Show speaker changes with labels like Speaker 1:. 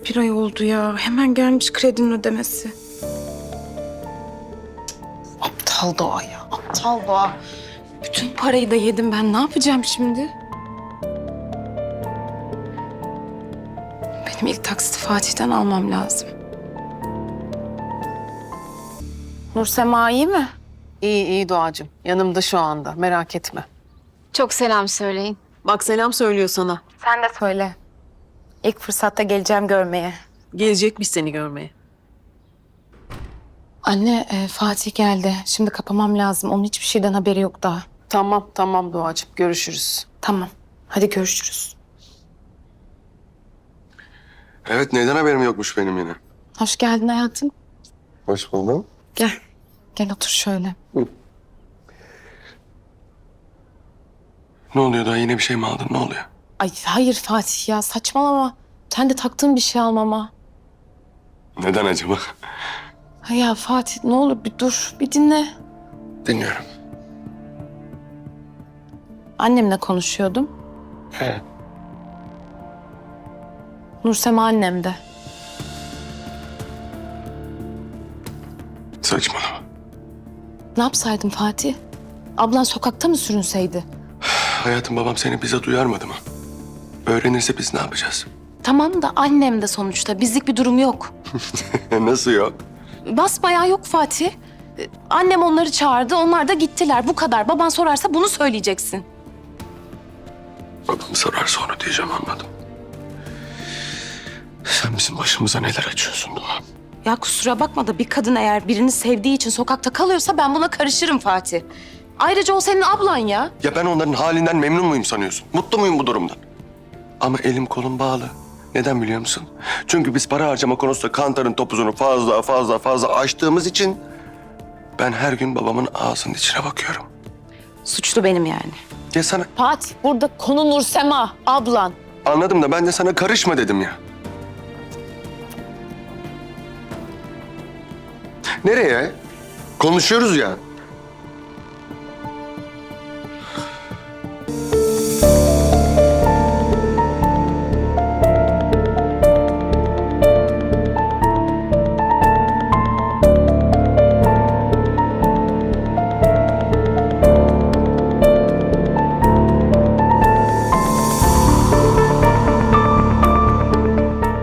Speaker 1: bir ay oldu ya. Hemen gelmiş kredinin ödemesi. Aptal Doğa ya, aptal Doğa. Bütün parayı da yedim ben. Ne yapacağım şimdi? Benim ilk taksiti Fatih'ten almam lazım. Nursema iyi mi?
Speaker 2: İyi iyi Doğacığım. Yanımda şu anda. Merak etme.
Speaker 3: Çok selam söyleyin.
Speaker 2: Bak selam söylüyor sana.
Speaker 1: Sen de söyle. İlk fırsatta geleceğim görmeye.
Speaker 2: Gelecekmiş seni görmeye.
Speaker 1: Anne, Fatih geldi. Şimdi kapamam lazım. Onun hiçbir şeyden haberi yok daha.
Speaker 2: Tamam tamam Doğacığım. Görüşürüz.
Speaker 1: Tamam. Hadi görüşürüz.
Speaker 4: Evet, neyden haberim yokmuş benim yine?
Speaker 1: Hoş geldin hayatım.
Speaker 4: Hoş buldum.
Speaker 1: Gel. Gel otur şöyle.
Speaker 4: Ne oluyor daha, yine bir şey mi aldın, ne oluyor?
Speaker 1: Ay hayır Fatih ya, saçmalama. Sen de taktığın bir şey almama.
Speaker 4: Neden acaba?
Speaker 1: Ay ya Fatih ne olur bir dur, bir dinle.
Speaker 4: Dinliyorum.
Speaker 1: Annemle konuşuyordum.
Speaker 4: He.
Speaker 1: Nursema annem de.
Speaker 4: Saçmalama.
Speaker 1: Ne yapsaydım Fatih? Ablan sokakta mı sürünseydi?
Speaker 4: Hayatım, babam seni bize duyarmadı mı? Öğrenirse biz ne yapacağız?
Speaker 1: Tamam da annem de sonuçta. Bizlik bir durum yok.
Speaker 4: Nasıl yok?
Speaker 1: Basbayağı yok Fatih. Annem onları çağırdı, onlar da gittiler. Bu kadar. Baban sorarsa bunu söyleyeceksin.
Speaker 4: Babam sorar sonra diyeceğim, anladım. Sen bizim başımıza neler açıyorsun Doğa?
Speaker 1: Ya kusura bakma da bir kadın eğer birini sevdiği için sokakta kalıyorsa ben buna karışırım Fatih. Ayrıca o senin ablan ya.
Speaker 4: Ya ben onların halinden memnun muyum sanıyorsun? Mutlu muyum bu durumdan? Ama elim kolum bağlı. Neden biliyor musun? Çünkü biz para harcama konusunda kantarın topuzunu fazla açtığımız için ben her gün babamın ağzının içine bakıyorum.
Speaker 1: Suçlu benim yani.
Speaker 4: Ya sana
Speaker 1: Fatih burada konu Nursema, ablan.
Speaker 4: anladım da ben de sana karışma dedim ya. Nereye? Konuşuyoruz ya.